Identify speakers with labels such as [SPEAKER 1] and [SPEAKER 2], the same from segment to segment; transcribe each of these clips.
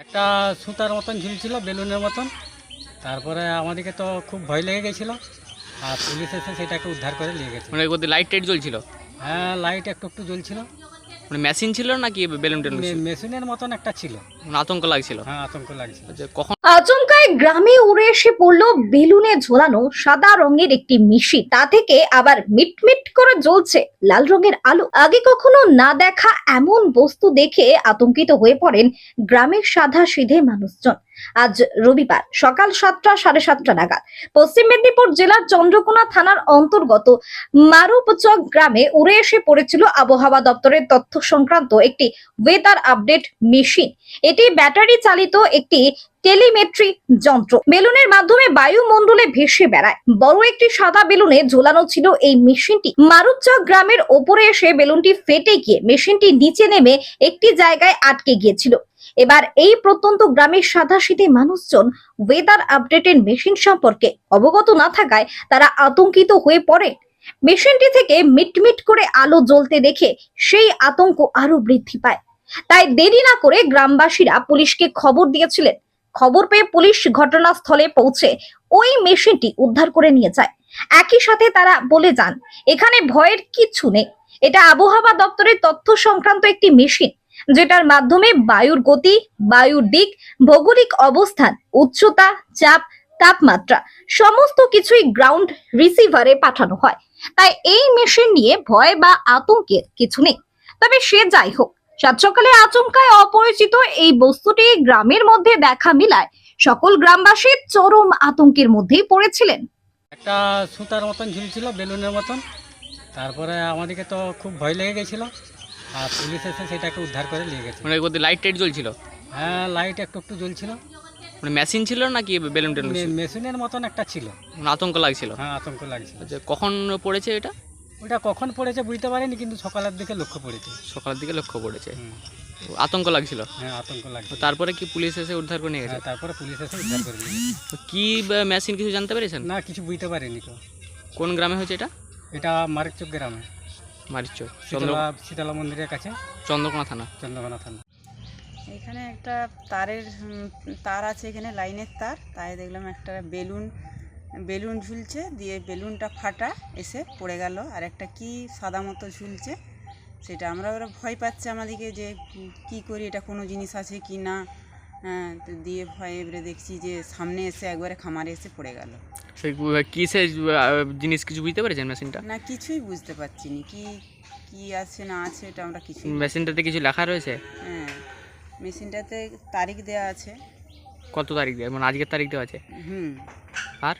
[SPEAKER 1] একটা সুতার মতন ঝুলছিল বেলুনের মতন। তারপরে আমাদেরকে তো খুব ভয় লেগে গেছিলো, আর পুলিশ এসে সেটাকে উদ্ধার করে নিয়ে গেছে।
[SPEAKER 2] মানে ওদের লাইট টাইট জ্বলছিল?
[SPEAKER 1] হ্যাঁ, লাইট একটু একটু জ্বলছিল।
[SPEAKER 2] মানে মেশিন ছিল নাকি বেলুন টেলুন ছিল?
[SPEAKER 1] মেশিনের মতন একটা ছিল।
[SPEAKER 2] মানে আতঙ্ক লাগছিল?
[SPEAKER 1] হ্যাঁ, আতঙ্ক লাগছিল।
[SPEAKER 2] যে কখন
[SPEAKER 3] আচমকায় গ্রামে উড়ে এসে পড়লো বেলুনে ঝোলানো সাদা রঙের একটি মেশিন। তা থেকে আবার মিটমিট করে জ্বলছে লাল রঙের আলো। আগে কখনো না দেখা এমন বস্তু দেখে আতঙ্কিত হয়ে পড়েন গ্রামের সাদা সিধে মানুষজন। আজ রবিবার সকাল 7টা সাড়ে 7টা নাগাদ পশ্চিম মেদিনীপুর জেলার চন্দ্রকোনা থানার অন্তর্গত মারুপচক গ্রামে উড়ে এসে পড়েছিল আবহাওয়া দপ্তরের তথ্য সংক্রান্ত একটি ওয়েদার আপডেট মেশিন। এটি ব্যাটারি চালিত একটি টেলিমেট্রি যন্ত্র। বেলুনের মাধ্যমে বায়ুমণ্ডলে ভেসে বেড়ায়। বড় একটি সাদা বেলুনে ঝোলানো ছিল এই মেশিনটি। মারুপচক গ্রামের ওপরে এসে বেলুনটি ফেটে গিয়ে মেশিনটি নিচে নেমে একটি জায়গায় আটকে গিয়েছিল। এবার এই প্রত্যন্ত গ্রামের সাদাসিধে মানুষজন ওয়েদার আপডেটের মেশিন সম্পর্কে অবগত না থাকায় তারা আতঙ্কিত হয়ে পড়ে। মেশিনটি থেকে মিটমিট করে আলো জ্বলতে দেখে সেই আতঙ্ক আরো বৃদ্ধি পায়। তাই দেরি না করে গ্রামবাসীরা পুলিশকে খবর দিয়েছিলেন। খবর পেয়ে পুলিশ ঘটনাস্থলে পৌঁছে ওই মেশিনটি উদ্ধার করে নিয়ে যায়। একই সাথে তারা বলে যান, এখানে ভয়ের কিছু নেই। এটা আবহাওয়া দপ্তরের তথ্য সংক্রান্ত একটি মেশিন, যেটার মাধ্যমে বায়ুর গতি, বায়ুর দিক, ভৌগোলিক অবস্থান, উচ্চতা, চাপ, তাপমাত্রা সমস্ত কিছুই গ্রাউন্ড রিসিভারে পাঠানো হয়। তাই এই মেশিন নিয়ে ভয় বা আতঙ্কের কিছু নেই। তবে সে যাই হোক, সাত সকালে আচমকায় অপরিচিত এই বস্তুটি গ্রামের মধ্যে দেখা মিলায় সকল গ্রামবাসী চরম আতঙ্কের মধ্যেই পড়েছিলেন।
[SPEAKER 1] একটা সুতার মতন ঝুলছিল বেলুনের মতন। তারপরে আমাদেরকে তো খুব ভয় লেগে গেছিলো, আর পুলিশ এসে সেটাকে উদ্ধার করে নিয়ে গেছে।
[SPEAKER 2] মানে ওদের লাইট টাইট জ্বলছিল?
[SPEAKER 1] হ্যাঁ, লাইট একটু একটু জ্বলছিল।
[SPEAKER 2] মানে মেশিন ছিল নাকি বেলুন টেলুন ছিল?
[SPEAKER 1] মেশিনের মতন একটা ছিল।
[SPEAKER 2] মানে আতঙ্ক লাগছিল?
[SPEAKER 1] হ্যাঁ, আতঙ্ক লাগছিল।
[SPEAKER 2] যে কখন পড়েছে এটা?
[SPEAKER 1] ওটা কখন পড়েছে বুঝতে পারিনি, কিন্তু সকালের দিকে লক্ষ্য পড়েছে।
[SPEAKER 2] সকালের দিকে লক্ষ্য পড়েছে।
[SPEAKER 1] হুম।
[SPEAKER 2] আতঙ্ক লাগছিল?
[SPEAKER 1] হ্যাঁ, আতঙ্ক লাগছিল।
[SPEAKER 2] তারপরে কি পুলিশ এসে উদ্ধার করে নিয়ে গেছে?
[SPEAKER 1] হ্যাঁ, তারপরে পুলিশ এসে উদ্ধার করে নিয়ে গেছে।
[SPEAKER 2] তো কি মেশিন কিছু জানতে পেরেছেন?
[SPEAKER 1] না, কিছু বুঝতে পারিনি তো।
[SPEAKER 2] কোন গ্রামে হয়েছে এটা?
[SPEAKER 1] এটা মারিচক গ্রামে,
[SPEAKER 2] মারিচক,
[SPEAKER 1] শীতলা মন্দিরের কাছে,
[SPEAKER 2] চন্দ্রকোনা থানা।
[SPEAKER 1] চন্দ্রকোনা থানা।
[SPEAKER 4] এখানে একটা তারের তার আছে, এখানে লাইনের তার। তাই দেখলাম একটা বেলুন ঝুলছে, দিয়ে বেলুনটা ফাটা এসে পড়ে গেল। আর একটা কি সাদা মতো ঝুলছে, সেটা ওরা ভয় পাচ্ছে আমাদেরকে যে কি করি, এটা কোনো জিনিস আছে কি না। হ্যাঁ, তো দিয়ে ভয়ে এবারে দেখছি যে সামনে এসে একবারে খামারে এসে পড়ে গেল।
[SPEAKER 2] সেই কিসের জিনিস কিছু বুঝতে পেরেছেন মেশিনটা?
[SPEAKER 4] না, কিছুই বুঝতে পারছি না কি আছে না আছে, এটা আমরা কিছু।
[SPEAKER 2] মেশিনটাতে কিছু লেখা রয়েছে?
[SPEAKER 4] হ্যাঁ, মেশিনটাতে তারিখ দেওয়া আছে।
[SPEAKER 2] কত তারিখ দেওয়া? মানে আজকের তারিখ দেওয়া আছে?
[SPEAKER 4] হুম।
[SPEAKER 2] আর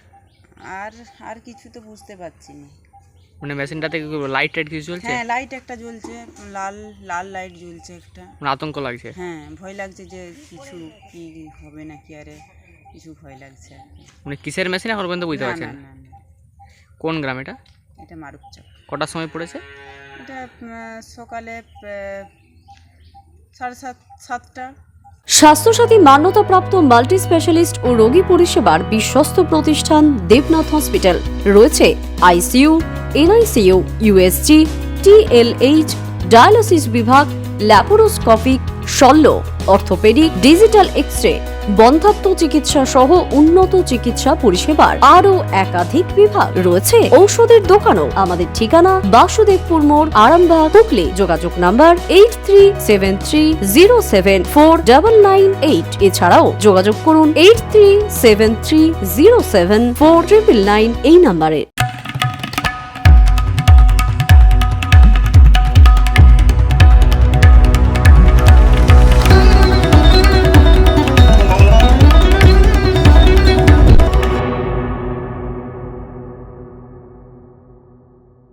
[SPEAKER 4] আর কিছু তো বুঝতে পারছি না।
[SPEAKER 2] মানে মেশিনটাতে লাইট টাইট কিছু চলছে?
[SPEAKER 4] হ্যাঁ, লাইট একটা জ্বলছে, লাল লাইট জ্বলছে একটা।
[SPEAKER 2] মানে আতঙ্ক লাগছে?
[SPEAKER 4] হ্যাঁ, ভয় লাগছে যে কিছু কি হবে নাকি, আরে কিছু ভয় লাগছে আর কি।
[SPEAKER 2] মানে কিসের মেশিন এখন পর্যন্ত বুঝতে
[SPEAKER 4] না
[SPEAKER 2] পারছেন?
[SPEAKER 4] না না না,
[SPEAKER 2] কোন গ্রাম এটা?
[SPEAKER 4] এটা মারুপচক।
[SPEAKER 2] কটার সময় পড়েছে?
[SPEAKER 4] এটা সকালে 7:30।
[SPEAKER 5] স্বাস্থ্যসাথী মান্যতাপ্রাপ্ত মাল্টি স্পেশালিস্ট ও রোগী পরিষেবার বিশ্বস্ত প্রতিষ্ঠান দেবনাথ হসপিটাল। রয়েছে ICU, NICU, USG, TLH, dialysis বিভাগ, ল্যাপারোস্কোপিক, শল্য, অর্থোপেডিক, ডিজিটাল এক্স-রে, বন্ধ্যাত্ব চিকিৎসা সহ উন্নত চিকিৎসা পরিষেবার আরও একাধিক বিভাগ। রয়েছে ঔষধের দোকানও। আমাদের ঠিকানা বাসুদেবপুর মোড়, আরামবাগ, হুগলি। যোগাযোগ নাম্বার 8373074998। এছাড়াও যোগাযোগ করুন 8373074999 এই নাম্বারে।